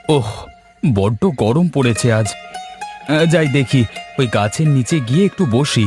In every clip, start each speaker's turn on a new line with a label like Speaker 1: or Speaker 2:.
Speaker 1: ওহ, বড্ড গরম পড়েছে আজ। যাই দেখি, ওই গাছের নিচে গিয়ে একটু বসি।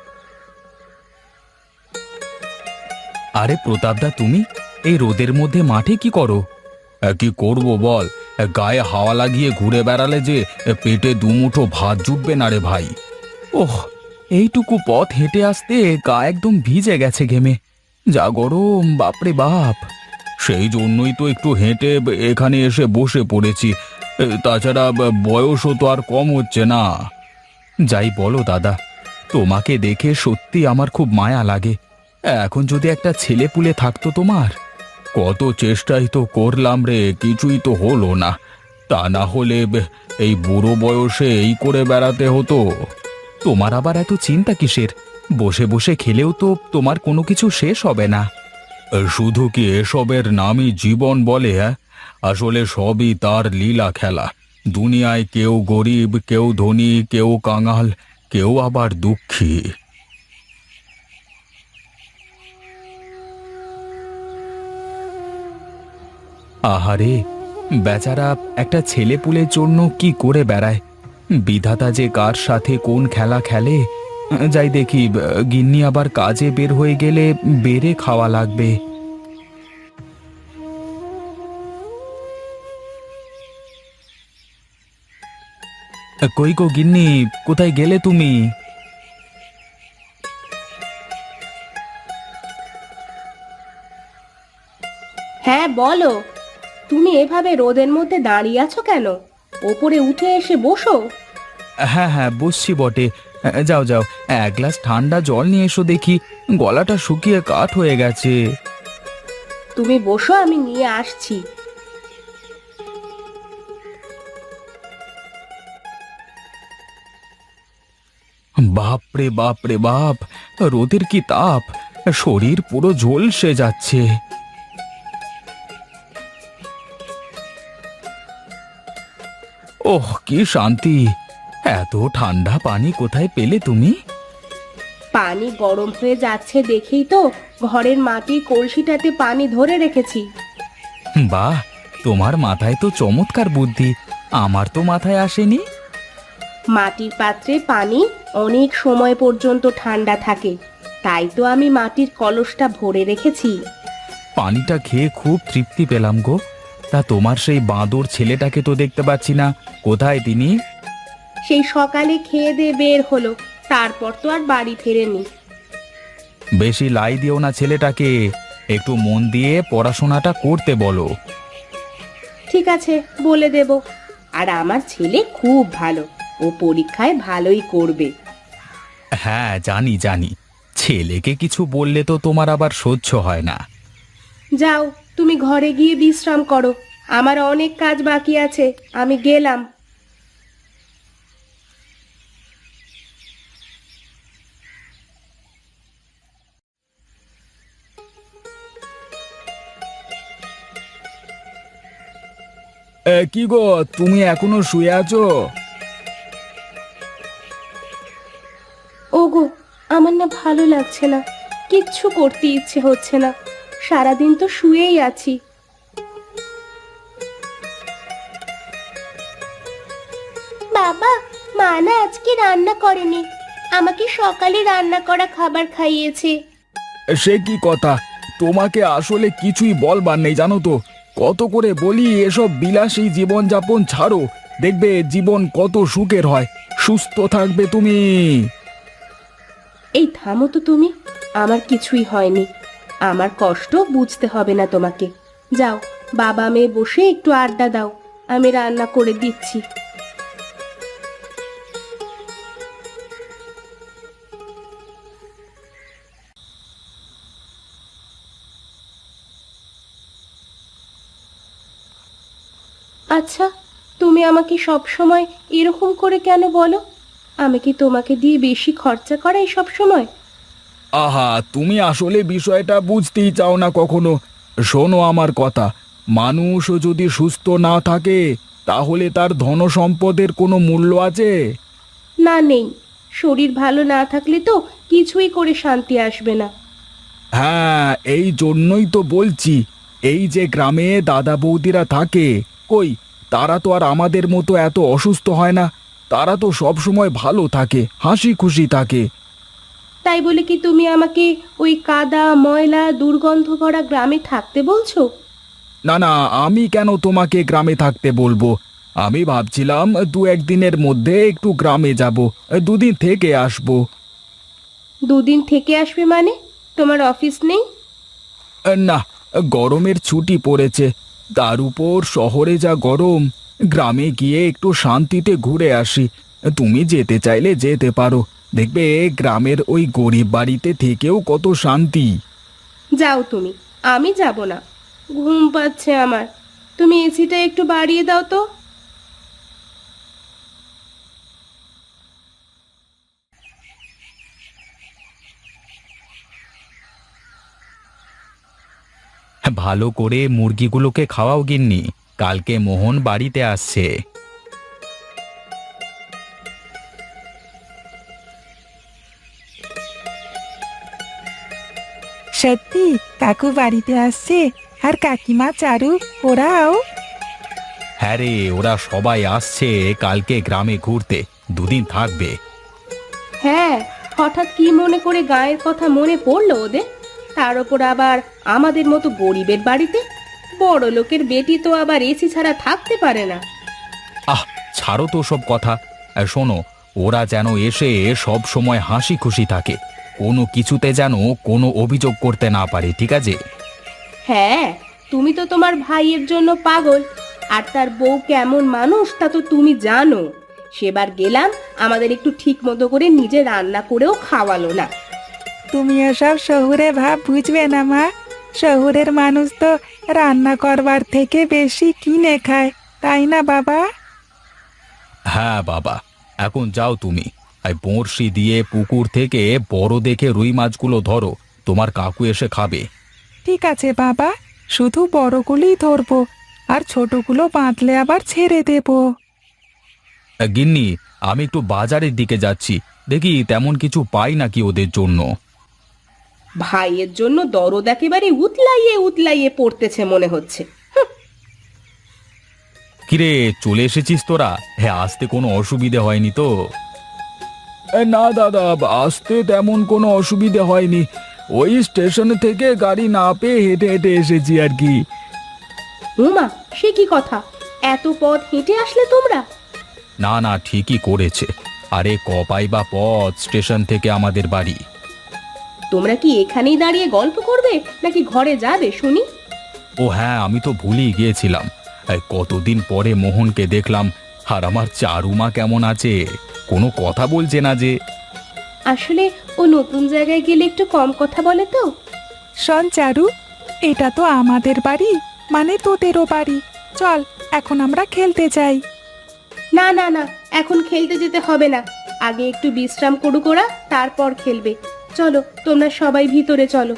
Speaker 1: আরে প্রতাপদা, তুমি এই রোদের মধ্যে মাঠে কি করো? কি করব বল, গায়ে হাওয়া লাগিয়ে ঘুরে বেড়ালে যে পেটে দুমুঠো ভাত জুটবে না রে ভাই। ওহ, এইটুকু পথ হেঁটে আসতে গা একদম ভিজে গেছে ঘেমে। যা গরম, বাপরে বাপ! সেই জন্যই তো একটু হেঁটে এখানে এসে বসে পড়েছি। তাছাড়া বয়সও তো আর কম হচ্ছে না। যাই বলো দাদা, তোমাকে দেখে সত্যি আমার খুব মায়া লাগে। এখন যদি একটা ছেলে পুলে থাকতো তোমার। কত চেষ্টাই তো করলাম রে, কিছুই তো হলো না। তা না হলে এই বুড়ো বয়সে এই করে বেড়াতে হতো। তোমার আবার এত চিন্তা কিসের? বসে বসে খেলেও তো তোমার কোনো কিছু শেষ হবে না। শুধু কি এসবের নামই জীবন বলে? হ্যাঁ, আসলে সবই তার লীলা খেলা। দুনিয়ায় কেউ গরিব, কেউ ধনী, কেউ কাঙাল, কেউ আবার দুঃখী। আহারে, বেচারা একটা ছেলেপুলের জন্য কি করে বেড়ায়। বিধাতা যে কার সাথে কোন খেলা খেলে। যাই দেখি, গিন্নি আবার কাজে বের হয়ে গেলে বেড়ে খাওয়া লাগবে। কই গো গিন্নি, কোথায় গেলে তুমি?
Speaker 2: হ্যাঁ বলো। তুমি এভাবে রোদের মধ্যে দাঁড়িয়ে আছো কেন? ওপরে উঠে এসে বসো।
Speaker 1: হ্যাঁ হ্যাঁ, বসছি বটে। যাও যাও, এক গ্লাস ঠান্ডা জল নিয়ে এসো দেখি। গলাটা শুকিয়ে কাঠ হয়ে গেছে।
Speaker 2: তুমি বসো, আমি নিয়ে আসছি।
Speaker 1: বাপ রে বাপ রে বাপ! রোদের কি তাপ! শরীর পুরো ঝলসে যাচ্ছে। ওহ, কি শান্তি! এত ঠান্ডা পানি কোথায় পেলে তুমি?
Speaker 2: পানি গরম হয়ে যাচ্ছে দেখেই তো ঘরের মাটির কলসিটাতে পানি ধরে রেখেছি।
Speaker 1: বাহ, তোমার মাথায় তো চমৎকার বুদ্ধি। আমার তো মাথায় আসেনি।
Speaker 2: মাটির পাত্রে পানি অনেক সময় পর্যন্ত ঠান্ডা থাকে, তাই তো আমি মাটির কলসটা ভরে রেখেছি।
Speaker 1: পানিটা খেয়ে খুব তৃপ্তি পেলাম গো। তা তোমার সেই বাঁদর ছেলেটাকে তো দেখতে পাচ্ছি না, কোথায় তিনি?
Speaker 2: সেই সকালে খেয়ে দিয়ে বের হলো, তারপর তো আর বাড়ি ফেরেনি।
Speaker 1: বেশি লাই দিও না ছেলেটাকে, একটু মন দিয়ে পড়াশোনাটা করতে বলো।
Speaker 2: ঠিক আছে, বলে দেব। আর আমার ছেলে খুব ভালো, ও পরীক্ষায় ভালোই করবে।
Speaker 1: হ্যাঁ, জানি জানি। ছেলেকে কিছু বললে তো তোমার আবার সহ্য হয় না।
Speaker 2: যাও, তুমি ঘরে গিয়ে বিশ্রাম করো। আমার অনেক কাজ বাকি আছে, আমি গেলাম।
Speaker 1: কি গো, তুমি এখনো শুয়ে আছো?
Speaker 2: ওগো, আমার না ভালো লাগছে না, কিচ্ছু করতে ইচ্ছে হচ্ছে না। সারাদিন তো শুয়েই আছি। বাবা, মা না আজকে রান্না করেনি, আমাকে সকালে রান্না করা খাবার খাইয়েছে।
Speaker 1: সে কি কথা! তোমাকে আসলে কিছুই বলবার নেই জানো তো। কত করে বলি এসব বিলাসী জীবনযাপন ছাড়ো, দেখবে জীবন কত সুখের হয়। সুস্থ থাকবে তুমি।
Speaker 2: এই থামো তো তুমি, আমার কিছুই হয়নি। আমার কষ্ট বুঝতে হবে না তোমাকে। যাও, বাবা মেয়ে বসে একটু আড্ডা দাও, আমি রান্না করে দিচ্ছি। আচ্ছা, তুমি আমাকে সব সময় এরকম করে কেন বলো? আমি কি তোমাকে দিয়ে বেশি খরচা করাই সব সময়?
Speaker 1: আহা, তুমি আসলে বিষয়টা বুঝতেই চাও না কখনো। শোনো আমার কথা, মানুষ যদি সুস্থ না থাকে তাহলে তার ধনসম্পদের কোনো মূল্য আছে?
Speaker 2: না, নেই। শরীর ভালো না থাকলে তো কিছুই করে শান্তি আসবে না।
Speaker 1: হ্যাঁ, এই জন্যই তো বলছি, এই যে গ্রামে দাদা বৌদিরা থাকে, কই তারা তো আর আমাদের মতো এত অসুস্থ হয় না। তারা তো সব সময় ভালো থাকে, হাসি খুশি থাকে।
Speaker 2: তাই বলে কি তুমি আমাকে ওই কাদা ময়লা দুর্গন্ধ ভরা গ্রামে থাকতে বলছো?
Speaker 1: না না, আমি কেন তোমাকে গ্রামে থাকতে বলবো? আমি ভাবছিলাম দু একদিনের মধ্যে একটু গ্রামে যাব, দুদিন থেকে আসবো।
Speaker 2: দুদিন থেকে আসবে মানে? তোমার অফিস নেই?
Speaker 1: না, গরমের ছুটি পড়েছে। তার উপর শহরে যা গরম, গ্রামে গিয়ে একটু শান্তিতে ঘুরে আসি। তুমি যেতে চাইলে যেতে পারো, দেখবে গ্রামের ওই গরিব বাড়িতে থেকেও কত শান্তি।
Speaker 2: যাও তুমি, আমি যাব না। ঘুম পাচ্ছে আমার। তুমি এসিটা একটু বাড়িয়ে দাও তো।
Speaker 1: ভালো করে মুরগিগুলোকে খাওয়াও গিন্নি, কালকে মোহন বাড়িতে আসছে।
Speaker 3: সত্যি কাকু বাড়িতে আসছে? আর কাকিমা চারু ওরাও?
Speaker 1: হ্যাঁ রে, ওরা সবাই আসছে কালকে গ্রামে ঘুরতে, দুদিন থাকবে।
Speaker 2: হ্যাঁ, হঠাৎ কি মনে করে গায়ের কথা মনে পড়লো ওদের? তার ওপর আবার আমাদের মতো গরিবের বাড়িতে। বড় লোকের বেটি তো আবার এসি ছাড়া থাকতে পারে না।
Speaker 1: আহ, ছাড়ো তো সব কথা। শোনো, ওরা যেন এসে সব সময় হাসি খুশি থাকে, কোনো কিছুতে যেন কোনো অভিযোগ করতে না পারে, ঠিক আছে?
Speaker 2: হ্যাঁ, তুমি তো তোমার ভাইয়ের জন্য পাগল। আর তার বউ কেমন মানুষ তা তো তুমি জানো। সেবার গেলাম, আমাদের একটু ঠিক মতো করে নিজে রান্না করেও খাওয়ালো না।
Speaker 3: তুমি এসব শহুরে ভাব বুঝবে না মা। শহুরের মানুষ তো রান্না করবার থেকে বেশি কিনে খায়, তাই না বাবা?
Speaker 1: হ্যাঁ বাবা, এখন যাও তুমি, এই বড়শি দিয়ে পুকুর থেকে বড় দেখে রুই মাছগুলো ধরো, তোমার কাকু এসে খাবে।
Speaker 3: ঠিক আছে বাবা, শুধু বড়গুলোই ধরবো, আর ছোটগুলো বাঁধলে আবার ছেড়ে দেবো।
Speaker 1: গিন্নি, আমি একটু বাজারের দিকে যাচ্ছি, দেখি তেমন কিছু পাই নাকি ওদের জন্য।
Speaker 2: ভাইয়ের জন্য দরদ একেবারে উতলাইয়ে উতলাইয়ে পড়তেছে মনে হচ্ছে।
Speaker 1: কিরে, চলে এসেছিস তোরা? হ্যাঁ, আসতে কোনো অসুবিধে হয়নি তো? না দাদা, আসতে তেমন কোনো অসুবিধে হয়নি। ওই স্টেশন থেকে গাড়ি না পেয়ে হেঁটে হেঁটে এসেছি আর কি।
Speaker 2: উমা, সে কি কথা! এত পথ হেঁটে আসলে তোমরা?
Speaker 1: না না, ঠিকই করেছে। আরে কপাই বা পথ স্টেশন থেকে আমাদের বাড়ি।
Speaker 2: তোমরা কি এখানেই দাঁড়িয়ে গল্প করবে নাকি ঘরে যাবে শুনি?
Speaker 1: ও হ্যাঁ, আমি তো ভুলেই গিয়েছিলাম। এই কতদিন পরে মোহনকে দেখলাম। আর আমার চারুমা কেমন আছে? কোনো কথা বলছে না যে।
Speaker 2: আসলে ও নতুন জায়গায় গেলে একটু কম কথা বলে তো।
Speaker 3: শোন চারু, এটা তো আমাদের বাড়ি, মানে তোদেরও বাড়ি। চল এখন আমরা খেলতে যাই।
Speaker 2: না না না, এখন খেলতে যেতে হবে না। আগে একটু বিশ্রাম করুক ওরা, তারপর খেলবে। চলো, তোমরা সবাই ভিতরে চলো।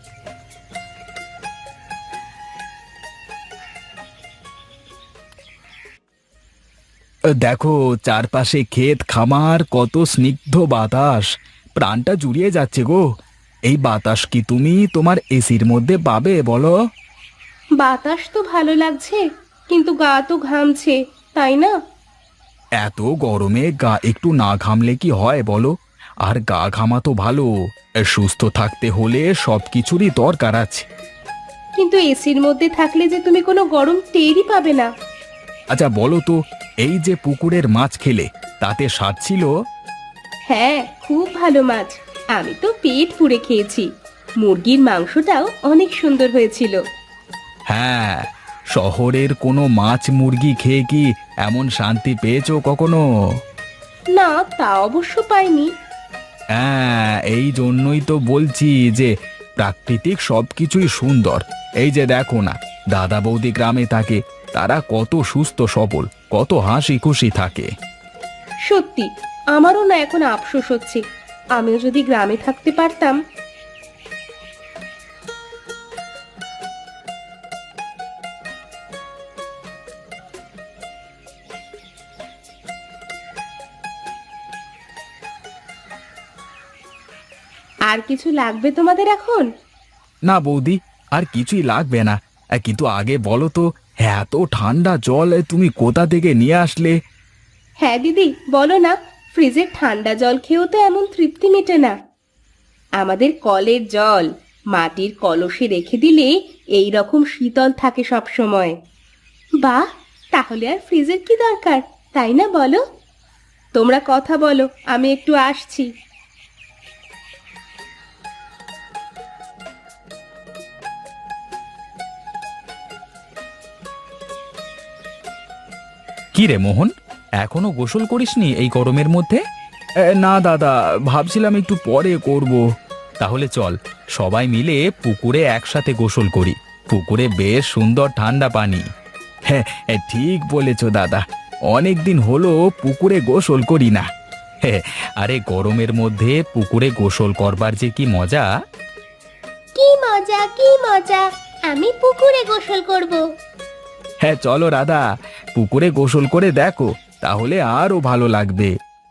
Speaker 1: দেখো, চারপাশে ক্ষেত খামার, কত স্নিগ্ধ বাতাস, প্রাণটা জুড়িয়ে যাচ্ছে গো। এই বাতাস কি তুমি তোমার এসির মধ্যে পাবে বলো?
Speaker 2: বাতাস তো ভালো লাগছে, কিন্তু গা তো ঘামছে, তাই না?
Speaker 1: এত গরমে গা একটু না ঘামলে কি হয় বলো? আর গা ঘামা তো ভালো, সুস্থ থাকতে হলে সব কিছুরই দরকার আছে।
Speaker 2: কিন্তু এসির মধ্যে থাকলে যে তুমি কোনো গরম টেরই পাবে না।
Speaker 1: আচ্ছা বলো তো, এই যে পুকুরের মাছ খেলে, তাতে স্বাদ ছিল?
Speaker 2: হ্যাঁ, খুব ভালো মাছ। আমি তো পেট পুড়ে খেয়েছি। মুরগির মাংসটাও অনেক সুন্দর হয়েছিল।
Speaker 1: হ্যাঁ, শহরের কোনো মাছ মুরগি খেয়ে কি এমন শান্তি পেয়েছো কখনো?
Speaker 2: না, তা অবশ্য পাইনি।
Speaker 1: হ্যাঁ, এই জন্যই তো বলছি যে প্রাকৃতিক সবকিছুই সুন্দর। এই যে দেখো না, দাদা বৌদি গ্রামে থাকে, তারা কত সুস্থ সবল, কত হাসি খুশি থাকে।
Speaker 2: সত্যি, আমারও না এখন আফসোস হচ্ছে। আমিও যদি গ্রামে থাকতে পারতাম। আর কিছু লাগবে তোমাদের এখন?
Speaker 1: না বৌদি, আর কিছুই লাগবে না। কিন্তু আগে বলো তো, এত ঠান্ডা জল তুমি কোথা থেকে নিয়ে আসলে?
Speaker 2: হ্যাঁ দিদি, বলো না, ফ্রিজের ঠান্ডা জল খেয়েও তো এমন তৃপ্তি মেটে না। আমাদের কলের জল মাটির কলসে রেখে দিলে এই রকম শীতল থাকে সব সময়। বাহ, তাহলে আর ফ্রিজের কি দরকার, তাই না বলো? তোমরা কথা বলো, আমি একটু আসছি।
Speaker 1: কি রে মোহন, এখনো গোসল করিসনি এই গরমের মধ্যে? না দাদা, ভাবছিলাম একটু পরে করব। তাহলে চল সবাই মিলে পুকুরে একসাথে গোসল করি। পুকুরে বেশ সুন্দর ঠান্ডা পানি। হ্যাঁ, ঠিক বলেছ দাদা, অনেক দিন হলো পুকুরে গোসল করি না। হ্যাঁ, আরে গরমের মধ্যে পুকুরে গোসল করবার যে কি মজা!
Speaker 2: কি মজা, কি মজা! আমি পুকুরে গোসল করব।
Speaker 1: হ্যাঁ চলো রাধা, পুকুরে গোসল করে দেখো, তাহলে আরো ভালো লাগবে।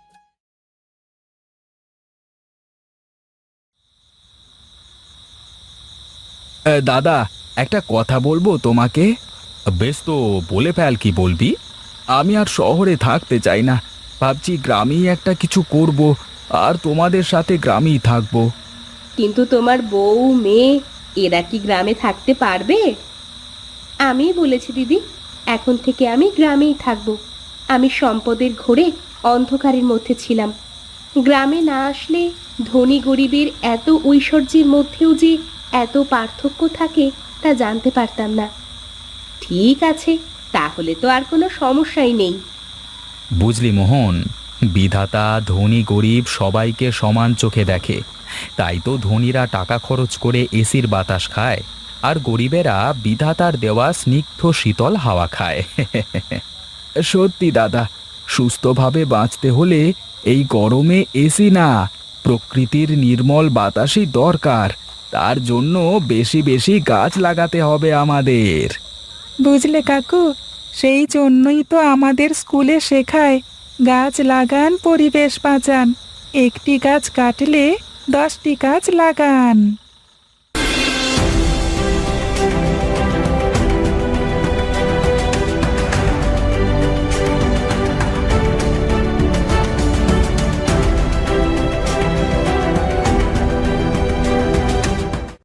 Speaker 1: দাদা, একটা কথা বলবো তোমাকে। বেশ তো, বলে ফেল, কি বলবি? আমি আর শহরে থাকতে চাই না, ভাবছি গ্রামেই একটা কিছু করব, আর তোমাদের সাথে গ্রামেই থাকবো।
Speaker 2: কিন্তু তোমার বউ মেয়ে এরা কি গ্রামে থাকতে পারবে? আমি বলেছি দিদি, এখন থেকে আমি গ্রামেই থাকব। আমি সম্পদের ঘোরে অন্ধকারের মধ্যে ছিলাম। গ্রামে না আসলে ধনী গরিবের এত ঐশ্বর্যের মধ্যেও যে এত পার্থক্য থাকে তা জানতে পারতাম না। ঠিক আছে, তাহলে তো আর কোনো সমস্যাই নেই।
Speaker 1: বুঝলি মোহন, বিধাতা ধনী গরিব সবাইকে সমান চোখে দেখে। তাই তো ধনীরা টাকা খরচ করে এসির বাতাস খায়, আর গরিবেরা বিধাতার দেওয়া স্নিগ্ধ শীতল হাওয়া খায়। সত্যি দাদা, সুস্থভাবে বাঁচতে হলে এই গরমে এসি না, প্রকৃতির নির্মল বাতাসই দরকার। তার জন্য বেশি বেশি গাছ লাগাতে হবে আমাদের।
Speaker 3: বুঝলে কাকু, সেই জন্যই তো আমাদের স্কুলে শেখায় গাছ লাগান, পরিবেশ বাঁচান। একটি গাছ কাটলে 10টি গাছ লাগান।